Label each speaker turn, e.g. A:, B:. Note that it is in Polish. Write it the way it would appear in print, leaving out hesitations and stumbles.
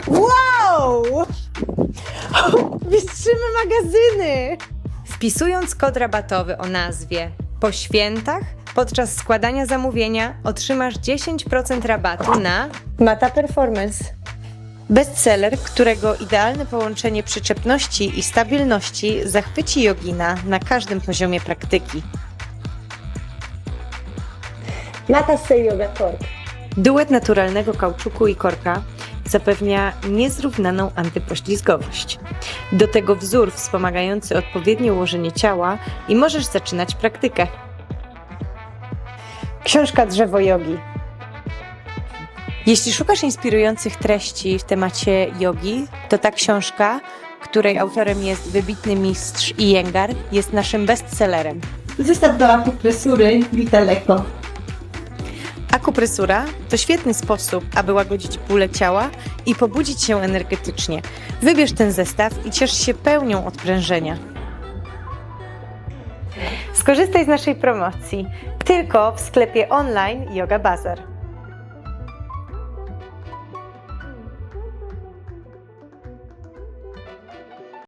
A: Wow! Mistrzymy magazyny!
B: Wpisując kod rabatowy o nazwie Po Świętach, podczas składania zamówienia otrzymasz 10% rabatu na
A: Mata Performance. Bestseller, którego idealne połączenie przyczepności i stabilności zachwyci jogina na każdym poziomie praktyki.
C: Mata Stay Yoga Cork.
A: Duet naturalnego kauczuku i korka zapewnia niezrównaną antypoślizgowość. Do tego wzór wspomagający odpowiednie ułożenie ciała i możesz zaczynać praktykę. Książka Drzewo Jogi. Jeśli szukasz inspirujących treści w temacie jogi, to ta książka, której autorem jest wybitny mistrz Iyengar, jest naszym bestsellerem.
C: Zestaw do akupresury Vitaleko.
A: Akupresura to świetny sposób, aby łagodzić bóle ciała i pobudzić się energetycznie. Wybierz ten zestaw i ciesz się pełnią odprężenia. Skorzystaj z naszej promocji tylko w sklepie online Yoga Bazar.